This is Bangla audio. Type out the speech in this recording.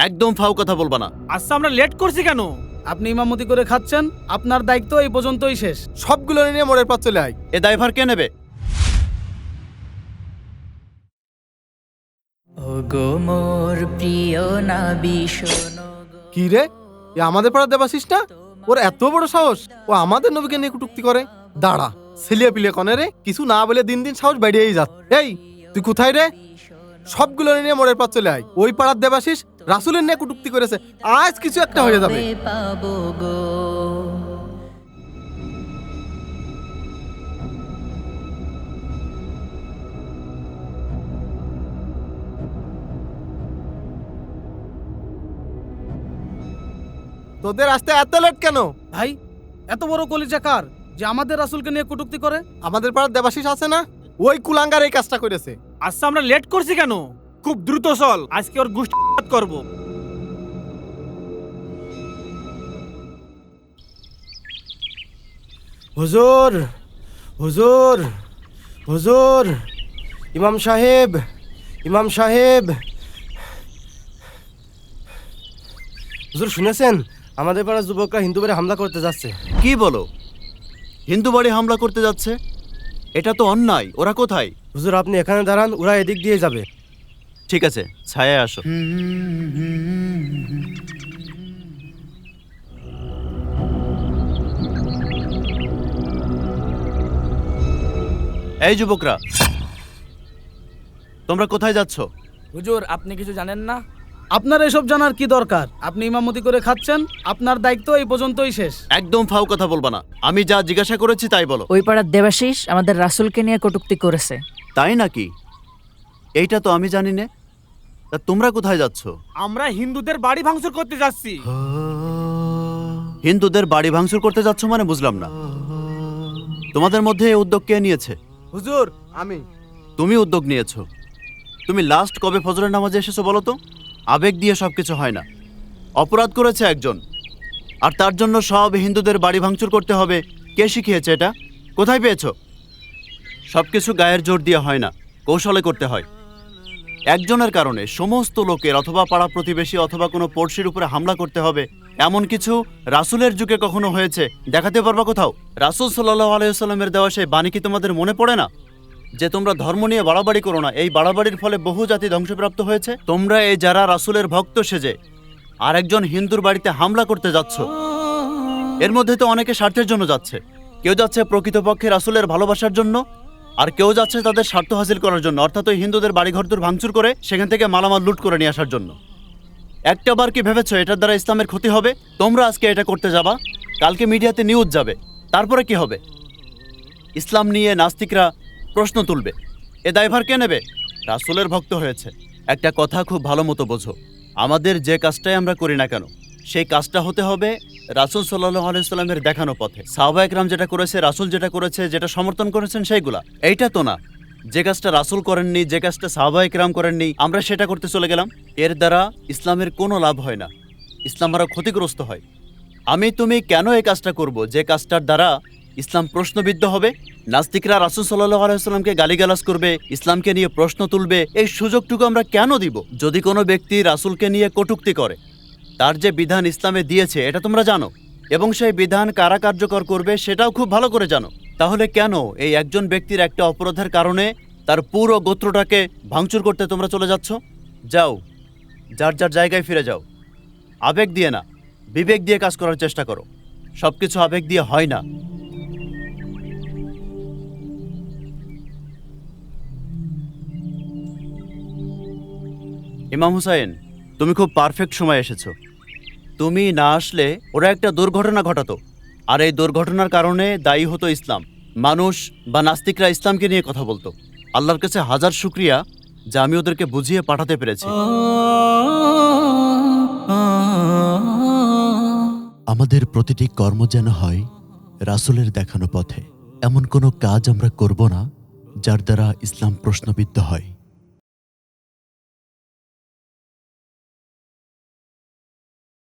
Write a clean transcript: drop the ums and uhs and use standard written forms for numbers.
একদম ফাও কথা বলবা না। আচ্ছা আমরা লেট করছি কেন? আপনি ইমামতি করে খাচ্ছেন, আপনার দায়িত্ব এই পর্যন্তই শেষ। সবগুলো নিয়ে মোড়ের পর চলে আয়। এ দায়ভার কে নেবে? ওগো মোর প্রিয় নবী শোনো গো। কি রে, এ আমাদের পাড়া দেবাশিস না? ওর এত বড় সাহস, ও আমাদের নবীকে নিয়ে কটূক্তি করে। দাঁড়া, ছেলিয়া পিলে কনে রে, কিছু না বলে দিন দিন সাহস বেড়েই যাচ্ছে। এই তুই কোথায় রে? সবগুলো নিয়ে মোড়ের পর চলে আয়। ওই পাড়ার দেবাশিস রাসূলের নিয়ে কটূক্তি করেছে, আজ কিছু একটা হয়ে যাবে। কবে পাবো গো। তোদের আসতে এত লেট কেন? ভাই, এত বড় কলিজা কার যে আমাদের রাসূলকে নিয়ে কটূক্তি করে? আমাদের পাড়ার দেবাশিস আছে না, ওই কুলাঙ্গার এই কাজটা করেছে। আচ্ছা আমরা লেট করছি কেন? খুব দ্রুত চল, আজকে ওর গোষ্ঠী করব। হুজুর, হুজুর, হুজুর, ইমাম সাহেব, ইমাম সাহেব। হুজুর শুনেছেন, আমাদের পাড়ার যুবকরা হিন্দু বাড়ি হামলা করতে যাচ্ছে। কি বলো? হিন্দু বাড়ি হামলা করতে যাচ্ছে? এটা তো অন্যায়। ওরা কোথায়? হুজুর আপনি এখানে দাঁড়ান, ওরা এদিক দিয়ে যাবে। ঠিক আছে, ছায়ায় আসো। এই যুবকরা, তোমরা কোথায় যাচ্ছ? হুজুর আপনি কিছু জানেন না? আপনার এসব জানার কি দরকার? আপনি ইমামতি করে খাচ্ছেন, আপনার দায়িত্ব এই পর্যন্তই শেষ। একদম ফাও কথা বলবা না। আমি যা জিজ্ঞাসা করেছি তাই বলো। ওই পাড়ার দেবাশিস আমাদের রাসূলকে নিয়ে কটূক্তি করেছে। তাই নাকি? এইটা তো আমি জানি না। তা তোমরা কোথায় যাচ্ছ? আমরা হিন্দুদের বাড়ি ভাঙচুর করতে যাচ্ছি। হিন্দুদের বাড়ি ভাঙচুর করতে যাচ্ছ মানে বুঝলাম না। তোমাদের মধ্যে এই উদ্যোগ কে নিয়েছে? হুজুর আমি। তুমি উদ্যোগ নিয়েছো। তুমি লাস্ট কবে ফজরের নামাজে এসেছো বলো তো? আবেগ দিয়ে সবকিছু হয় না। অপরাধ করেছে একজন, আর তার জন্য সব হিন্দুদের বাড়ি ভাঙচুর করতে হবে। কে শিখিয়েছে এটা? কোথায় পেয়েছো? সবকিছু গায়ের জোর দিয়ে হয় না, কৌশলে করতে হয়। একজনের কারণে সমস্ত লোকের অথবা পাড়া প্রতিবেশী অথবা কোনো পড়শির উপরে হামলা করতে হবে, এমন কিছু রাসূলের যুগে কখনো হয়েছে? দেখাতে পারবা কোথাও? রাসূল সাল্লাল্লাহু আলাইহি ওয়াসাল্লামের দেওয়া সেই বাণী কি তোমাদের মনে পড়ে না যে তোমরা ধর্ম নিয়ে বাড়াবাড়ি করো না? এই বাড়াবাড়ির ফলে বহু জাতি ধ্বংসপ্রাপ্ত হয়েছে। তোমরা এই যারা রাসূলের ভক্ত সেজে আর একজন হিন্দুর বাড়িতে হামলা করতে যাচ্ছ, এর মধ্যে তো অনেকে স্বার্থের জন্য যাচ্ছে। কেউ যাচ্ছে প্রকৃতপক্ষে রাসূলের ভালোবাসার জন্য, আর কেউ যাচ্ছে তাদের স্বার্থ হাসিল করার জন্য, অর্থাৎ ওই হিন্দুদের বাড়িঘরদুর ভাঙচুর করে সেখান থেকে মালামাল লুট করে নিয়ে আসার জন্য। একটা বার কি ভেবেছো এটার দ্বারা ইসলামের ক্ষতি হবে? তোমরা আজকে এটা করতে যাবা, কালকে মিডিয়াতে নিউজ যাবে, তারপরে কি হবে? ইসলাম নিয়ে নাস্তিকরা প্রশ্ন তুলবে। এ দায়ভার কে নেবে? রাসূলের ভক্ত হয়েছে। একটা কথা খুব ভালো মতো বোঝো, আমাদের যে কাজটাই আমরা করি না কেন, সেই কাজটা হতে হবে রাসূল সাল্লাল্লাহু আলাইহি ওয়াসাল্লামের দেখানো পথে। সাহাবা একরাম যেটা করেছে, রাসূল যেটা করেছে, যেটা সমর্থন করেছেন সেইগুলা। এইটা তো না যে কাজটা রাসূল করেননি, যে কাজটা সাহাবা একরাম করেননি, আমরা সেটা করতে চলে গেলাম। এর দ্বারা ইসলামের কোনো লাভ হয় না, ইসলাম আরও ক্ষতিগ্রস্ত হয়। আমি তুমি কেন এই কাজটা করব যে কাজটার দ্বারা ইসলাম প্রশ্নবিদ্ধ হবে? নাস্তিকরা রাসূল সাল্লাল্লাহু আলাইহি ওয়াসাল্লামকে গালিগালাজ করবে, ইসলামকে নিয়ে প্রশ্ন তুলবে, এই সুযোগটুকু আমরা কেন দিব? যদি কোনো ব্যক্তি রাসূলকে নিয়ে কটূক্তি করে, তার যে বিধান ইসলামে দিয়েছে এটা তোমরা জানো, এবং সেই বিধান কারা কার্যকর করবে সেটাও খুব ভালো করে জানো। তাহলে কেন এই একজন ব্যক্তির একটা অপরাধের কারণে তার পুরো গোত্রটাকে ভাঙচুর করতে তোমরা চলে যাচ্ছ? যাও, যার যার জায়গায় ফিরে যাও। আবেগ দিয়ে না, বিবেক দিয়ে কাজ করার চেষ্টা করো। সবকিছু আবেগ দিয়ে হয় না। ইমাম হুসাইন, তুমি খুব পারফেক্ট সময় এসেছো। তুমি না আসলে ওরা একটা দুর্ঘটনা ঘটাতো, আর এই দুর্ঘটনার কারণে দায়ী হতো ইসলাম। মানুষ বা নাস্তিকরা ইসলামকে নিয়ে কথা বলতো। আল্লাহর কাছে হাজার শুকরিয়া যে আমি ওদেরকে বুঝিয়ে পাঠাতে পেরেছি। আমাদের প্রতিটি কর্ম যেন হয় রাসূলের দেখানো পথে। এমন কোনো কাজ আমরা করব না যার দ্বারা ইসলাম প্রশ্নবিদ্ধ হয়।